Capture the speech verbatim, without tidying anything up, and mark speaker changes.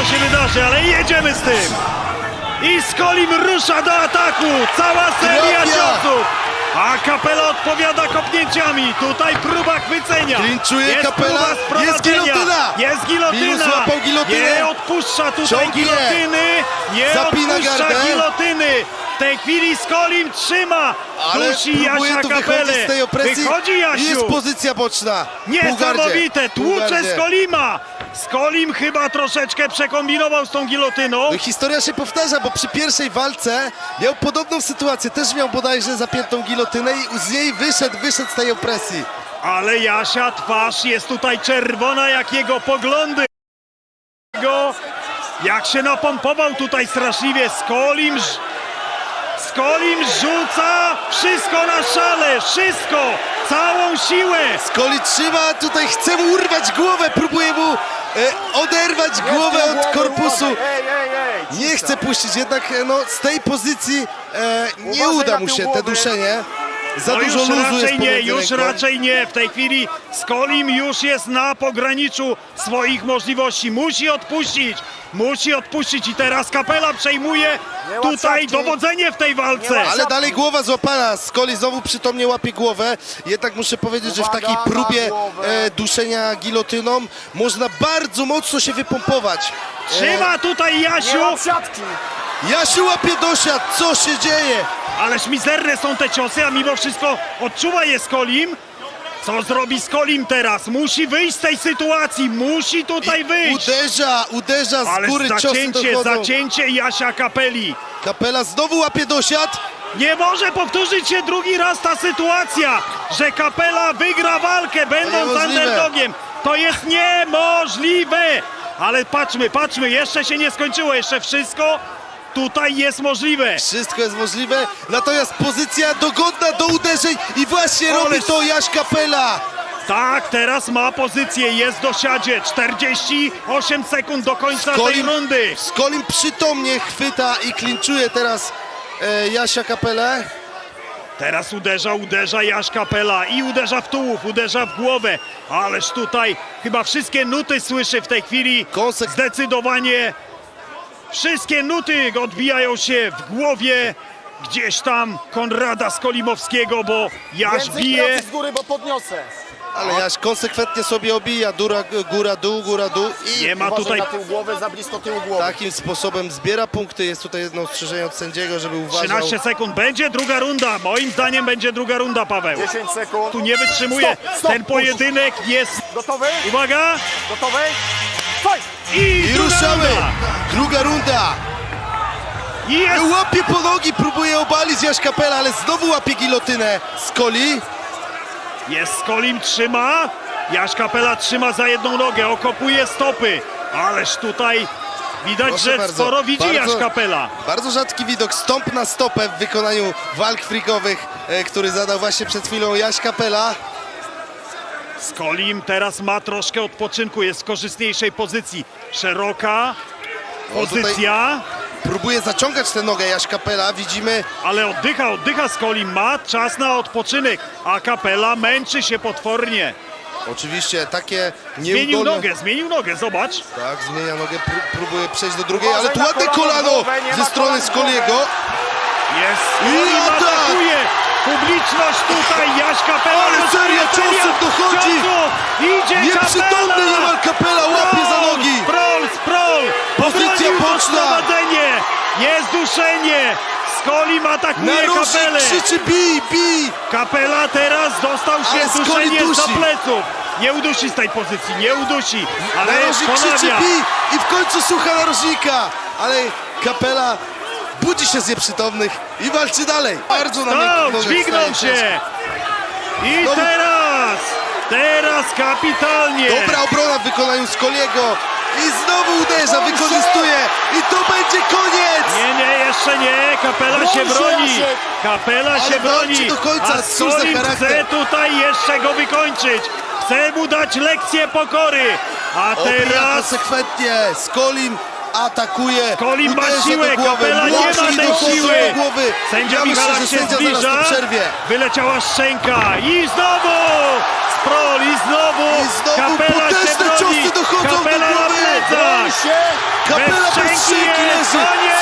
Speaker 1: co się wydarzy, ale jedziemy z tym. I Skolim rusza do ataku. Cała seria
Speaker 2: Trafia.
Speaker 1: ciosów. A Capela odpowiada kopnięciami. Tutaj próba chwycenia.
Speaker 2: Klinczuje
Speaker 1: Jest
Speaker 2: Capela.
Speaker 1: próba sprowadzenia.
Speaker 2: Jest gilotyna.
Speaker 1: Jest gilotyna.
Speaker 2: Minus złapał gilotynę.
Speaker 1: Nie odpuszcza tutaj
Speaker 2: Ciągnie.
Speaker 1: gilotyny. Nie
Speaker 2: Zapina
Speaker 1: odpuszcza
Speaker 2: gardę.
Speaker 1: gilotyny. W tej chwili Skolim trzyma.
Speaker 2: Ale
Speaker 1: Dusi
Speaker 2: próbuje
Speaker 1: Jasia
Speaker 2: tu wychodzić
Speaker 1: Capelę.
Speaker 2: z tej opresji.
Speaker 1: Wychodzi
Speaker 2: I
Speaker 1: Jasiu.
Speaker 2: jest pozycja boczna.
Speaker 1: Niesamowite, tłucze
Speaker 2: Półgardzie.
Speaker 1: Skolima! Skolim chyba troszeczkę przekombinował z tą gilotyną.
Speaker 2: No i historia się powtarza, bo przy pierwszej walce miał podobną sytuację. Też miał bodajże zapiętą gilotynę i z niej wyszedł, wyszedł z tej opresji.
Speaker 1: Ale Jasia twarz jest tutaj czerwona jak jego poglądy. Go, jak się napompował tutaj straszliwie. Skolim, ż- Skolim rzuca wszystko na szale, wszystko, całą siłę.
Speaker 2: Skoli trzyma, tutaj chce mu urwać głowę, próbuje mu e, oderwać głowę od korpusu.
Speaker 3: Ej, ej, ej!
Speaker 2: Nie chce puścić, jednak e, no, z tej pozycji e, nie
Speaker 3: Uważaj
Speaker 2: uda
Speaker 3: na
Speaker 2: mu
Speaker 3: tył
Speaker 2: się te
Speaker 3: głowy.
Speaker 2: duszenie. Za
Speaker 1: No
Speaker 2: dużo
Speaker 1: już
Speaker 2: luzu jest
Speaker 1: raczej nie,
Speaker 2: pomiędzy
Speaker 1: już
Speaker 2: ręką.
Speaker 1: raczej nie. W tej chwili Skolim już jest na pograniczu swoich możliwości. Musi odpuścić, musi odpuścić i teraz Capela przejmuje
Speaker 3: Nie łap
Speaker 1: tutaj
Speaker 3: siatki.
Speaker 1: dowodzenie w tej walce.
Speaker 3: Nie łap
Speaker 2: Ale dalej głowa złapana, Skoli znowu przytomnie łapie głowę. Jednak muszę powiedzieć, że w
Speaker 3: Uwaga
Speaker 2: takiej
Speaker 3: na
Speaker 2: próbie
Speaker 3: głowę.
Speaker 2: e, duszenia gilotyną można bardzo mocno się wypompować.
Speaker 1: Trzyma tutaj
Speaker 3: Nie
Speaker 1: Jasiu,
Speaker 3: łap siatki!
Speaker 2: Jasiu łapie dosiad, co się dzieje?
Speaker 1: ależ mizerne są te ciosy, a mimo wszystko odczuwa je Skolim. Co zrobi Skolim teraz? Musi wyjść z tej sytuacji, musi tutaj wyjść.
Speaker 2: Uderza, uderza z
Speaker 1: Ale
Speaker 2: góry, ciosy
Speaker 1: zacięcie,
Speaker 2: dochodzą.
Speaker 1: zacięcie Jasia Capeli.
Speaker 2: Capela znowu łapie dosiad.
Speaker 1: Nie może powtórzyć się drugi raz ta sytuacja, że Capela wygra walkę, będąc
Speaker 2: niemożliwe.
Speaker 1: underdogiem. To jest niemożliwe! Ale patrzmy, patrzmy, jeszcze się nie skończyło, jeszcze wszystko tutaj jest możliwe.
Speaker 2: Wszystko jest możliwe, natomiast pozycja dogodna do uderzeń i właśnie
Speaker 1: Ależ-
Speaker 2: robi to Jaś Capela.
Speaker 1: Tak, teraz ma pozycję, jest w dosiadzie, czterdzieści osiem sekund do końca tej rundy.
Speaker 2: Skolim przytomnie chwyta i klinczuje teraz e, Jasia Capelę.
Speaker 1: Teraz uderza, uderza Jaś Capela i uderza w tułów, uderza w głowę. Ależ tutaj chyba wszystkie nuty słyszy w tej chwili.
Speaker 2: Konsek-
Speaker 1: Zdecydowanie wszystkie nuty odbijają się w głowie gdzieś tam Konrada Skolimowskiego, bo Jaś
Speaker 3: Więcej
Speaker 1: bije.
Speaker 3: pracy z góry, bo podniosę.
Speaker 2: Ale Jaś konsekwentnie sobie obija góra, góra, dół, góra, dół i
Speaker 1: Nie ma
Speaker 3: Uważaj
Speaker 1: tutaj
Speaker 3: na tył głowy, za blisko tyłu głowy.
Speaker 2: takim sposobem zbiera punkty. Jest tutaj jedno ostrzeżenie od sędziego, żeby uważał.
Speaker 1: trzynaście sekund, będzie druga runda. Moim zdaniem będzie druga runda, Paweł.
Speaker 3: dziesięć sekund.
Speaker 1: Tu nie wytrzymuje.
Speaker 3: Stop, stop,
Speaker 1: Ten pojedynek jest...
Speaker 3: Gotowy?
Speaker 1: Uwaga!
Speaker 3: Gotowy? Fight!
Speaker 1: I,
Speaker 2: I
Speaker 1: druga
Speaker 2: ruszamy!
Speaker 1: runda.
Speaker 2: Druga runda!
Speaker 1: I jest...
Speaker 2: Łapie po nogi, próbuje obalić Jaś Capela, ale znowu łapie gilotynę Skoli.
Speaker 1: Jest Skolim, trzyma. Jaś Capela trzyma za jedną nogę, okopuje stopy. Ależ tutaj widać,
Speaker 2: Proszę
Speaker 1: że
Speaker 2: bardzo,
Speaker 1: sporo widzi
Speaker 2: bardzo-
Speaker 1: Jaś Capela.
Speaker 2: Bardzo rzadki widok, stąp na stopę w wykonaniu walk freakowych, e, który zadał właśnie przed chwilą Jaś Capela.
Speaker 1: Skolim teraz ma troszkę odpoczynku, jest w korzystniejszej pozycji. Szeroka pozycja,
Speaker 2: Próbuje zaciągać tę nogę Jaś Capela, widzimy.
Speaker 1: ale oddycha, oddycha Skolim, ma czas na odpoczynek, a Capela męczy się potwornie.
Speaker 2: Oczywiście takie
Speaker 1: Zmienił
Speaker 2: nieudolne...
Speaker 1: nogę, zmienił nogę, zobacz.
Speaker 2: Tak, zmienia nogę, pró- próbuje przejść do drugiej,
Speaker 3: Uważaj
Speaker 2: ale tu
Speaker 3: na
Speaker 2: ładne
Speaker 3: kolano,
Speaker 2: kolano
Speaker 3: głowę, nie
Speaker 2: ze
Speaker 3: ma
Speaker 2: strony
Speaker 3: kolan w
Speaker 2: Skoliego.
Speaker 3: głowę.
Speaker 1: Jest
Speaker 2: I
Speaker 1: Skolim,
Speaker 2: atak!
Speaker 1: atakuje. Publiczność tutaj, Jaś Capela.
Speaker 2: Ale
Speaker 1: dostaje
Speaker 2: seria ciosów dochodzi.
Speaker 1: ciosów. Idzie
Speaker 2: Nieprzytomny
Speaker 1: Capela.
Speaker 2: niemal Capela, łapie za
Speaker 1: Sprol,
Speaker 2: nogi.
Speaker 1: Sprol, sprol!
Speaker 2: Pozycja
Speaker 1: Obronił to
Speaker 2: boczna.
Speaker 1: sprowadzenie! Jest duszenie! Skolim atakuje
Speaker 2: Narożnik
Speaker 1: Capelę!
Speaker 2: krzyczy bij, bij.
Speaker 1: Capela teraz dostał się
Speaker 2: Ale
Speaker 1: w
Speaker 2: Skoli
Speaker 1: duszenie za
Speaker 2: dusi.
Speaker 1: pleców! Nie udusi z tej pozycji, nie udusi, ale
Speaker 2: Narożnik krzyczy
Speaker 1: ponawia.
Speaker 2: bij i w końcu słucha narożnika. Ale Capela budzi się z nieprzytomnych i walczy dalej. Bardzo na miękkich
Speaker 1: Stop,
Speaker 2: nogach
Speaker 1: dźwignął
Speaker 2: staje
Speaker 1: się! I
Speaker 2: Znowu-
Speaker 1: teraz! Teraz kapitalnie!
Speaker 2: Dobra obrona w wykonaniu Skoliego i znowu uderza, wykorzystuje i to będzie koniec!
Speaker 1: Nie, nie, jeszcze nie. Capela
Speaker 3: Broń
Speaker 1: się
Speaker 3: się,
Speaker 1: broni.
Speaker 3: Jasiek.
Speaker 1: Capela
Speaker 2: Ale
Speaker 1: się
Speaker 2: walczy
Speaker 1: broni.
Speaker 2: do końca,
Speaker 1: A
Speaker 2: cóż za
Speaker 1: Skolim
Speaker 2: charakter.
Speaker 1: chce tutaj jeszcze go wykończyć. Chce mu dać lekcję pokory. A
Speaker 2: Obija
Speaker 1: teraz
Speaker 2: konsekwentnie, Skolim atakuje,
Speaker 1: Skolim ma
Speaker 2: uderza
Speaker 1: siłę,
Speaker 2: do głowy,
Speaker 1: Capela nie
Speaker 2: młotki
Speaker 1: ma tej
Speaker 2: dochodzą
Speaker 1: siły.
Speaker 2: do głowy.
Speaker 1: sędzia
Speaker 2: Ja myślę,
Speaker 1: Michalak
Speaker 2: że
Speaker 1: się
Speaker 2: sędzia zaraz
Speaker 1: zbliża.
Speaker 2: to przerwie.
Speaker 1: Wyleciała szczęka i znowu Sprol i znowu,
Speaker 2: I znowu
Speaker 1: Capela się
Speaker 2: potężne
Speaker 1: broni.
Speaker 2: ciosy dochodzą do
Speaker 1: Capela na
Speaker 2: głowy.
Speaker 1: plecach.
Speaker 3: Broń się!
Speaker 2: Kapela bez
Speaker 1: szczęki
Speaker 2: szczęki
Speaker 1: jest,
Speaker 2: leży.
Speaker 1: koniec!